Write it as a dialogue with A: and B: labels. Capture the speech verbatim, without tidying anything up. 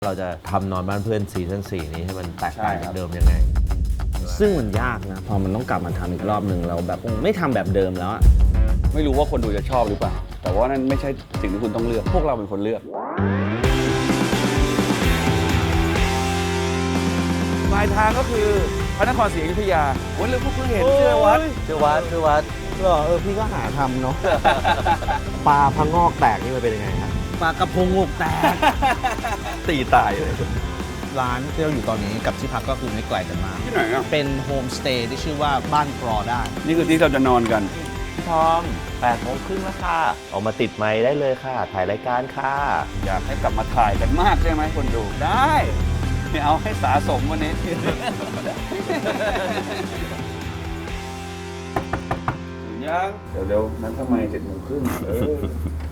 A: เราจะทำนอนบ้านเพื่อนซีซั่นสี่นี้ให้มันแตกต่างจากเดิมยังไง
B: ซึ่งมันยากนะพอมันต้องกลับมาทำอีกรอบหนึ่งเราแบบไม่ทำแบบเดิมแล้วอะ
C: ไม่รู้ว่าคนดูจะชอบหรือเปล่าแต่ว่านั่นไม่ใช่สิ่งที่คุณต้องเลือกพวกเราเป็นคนเลือกปลายทางก็คือพระนครศรีอยุธยาวันเรื่องพวกเพิ่งเห็นเชื่อวัด
A: เชื่อวัดเชื่อวัด
B: เหรอเออพี่ก็หาทำเนาะ
A: ปลาพังงอกแตกนี่มันเป็นยังไงครับ
B: ปลากระพงงกแตก
A: ตีตายเลย
B: ร้านที่เราอยู่ตอนนี้กับที่พักก็คือไม่ไกลกันมาก
C: ที่ไหนอ่ะ
B: เป็นโฮมสเตย์ที่ชื่อว่าบ้านกรอได้
C: นี่คือที่เราจะนอนกัน
A: พี่ทอมแปดโมงครึ่งแล้วค่ะออกมาติดไมค์ได้เลยค่ะ ถ่ายรายการค่ะ
C: อยากให้กลับมาถ่ายกันมากใช่ไหมคนดูได้เนี่ยเอาให้สะสมวันนี้ยังเดี๋ยวๆนั้นทำไมเจ็ดโมงครึ่งเออ